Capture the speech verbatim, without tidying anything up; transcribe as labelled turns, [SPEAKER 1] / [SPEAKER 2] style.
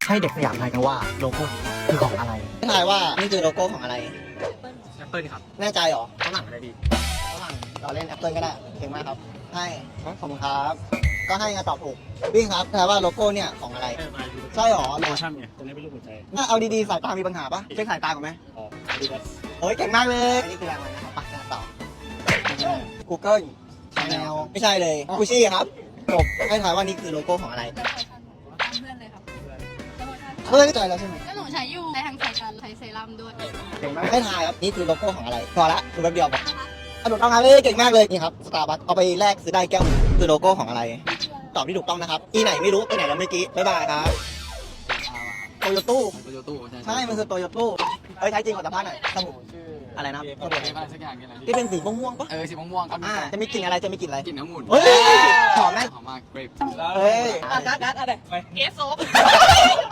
[SPEAKER 1] ให้เด็กสยามทายกันว่าโลโก้นี้คือของอะไร
[SPEAKER 2] ทายว่านี่คือโลโก้ของอะไร
[SPEAKER 1] แอปเปิลครับ
[SPEAKER 2] แน่ใจเหรอ
[SPEAKER 1] ฝรั่งอะไรดี
[SPEAKER 2] ฝรั่งเราเล่นแอปเปิลก็ได้เก่งมากครับให้ขอบคุณครับ ก็ให้ไงตอบถูกวิ่งครับทายว่าโลโก้เนี่ยของอะไรใช่เหรอ
[SPEAKER 1] โลชั่นไงตรงนี้เป็นรูปหัวใจ
[SPEAKER 2] น่าเอาดีๆสายตามีปัญหาปะเช็คสายตาก่อนไหม
[SPEAKER 1] อ๋อดีครับ
[SPEAKER 2] เฮ้ยเก่งมากเลยอันนี้คืออะไรนะครับไปกันต่อ Google Channel ไม่ใช่เลยกูชี่ครับจบให้ทายว่านี่คือโลโก้ของอะไร
[SPEAKER 3] เพื่อนเลยครับ
[SPEAKER 2] เพื่อนใจแล้วใช่ไหม
[SPEAKER 3] ก็หนูใช้อยู่ในทางสายการใช้เซรั่มด้วย
[SPEAKER 2] เก่งมากให้ทายครับนี่คือโลโก้ของอะไรพอละดูแป๊บเดียวพอสนุกต้องงานเลยเก่งมากเลยนี่ครับสตาร์บัคเอาไปแลกซื้อได้แก้วคือโลโก้ของอะไร ตอบที่ถูกต้องนะครับอีไหนไม่รู้ไปไหนแล้วเมื่อกี้บ๊ายบายครับโตโยต้
[SPEAKER 4] โตโยต้ใช่
[SPEAKER 2] ใช่มันคือโตโยต้เอ้ยใช้จริงขอสัมภาษณ์หน่อยสมุนอะไรนะสมุน
[SPEAKER 4] อะไรสักอย่างนี่แหละ
[SPEAKER 2] ที่เป็นสีม่วงๆปะ
[SPEAKER 4] เออสีม่วงๆครับ
[SPEAKER 2] อ่าจะมีกลิ่นอะไรจะมีกลิ่นอะไร
[SPEAKER 4] กลิ่นน้ำมูล
[SPEAKER 2] เฮ้ยหอมไหม
[SPEAKER 4] หอมมากเกรป
[SPEAKER 2] เฮ้ย
[SPEAKER 3] กัดกัดอะไรเอสโซ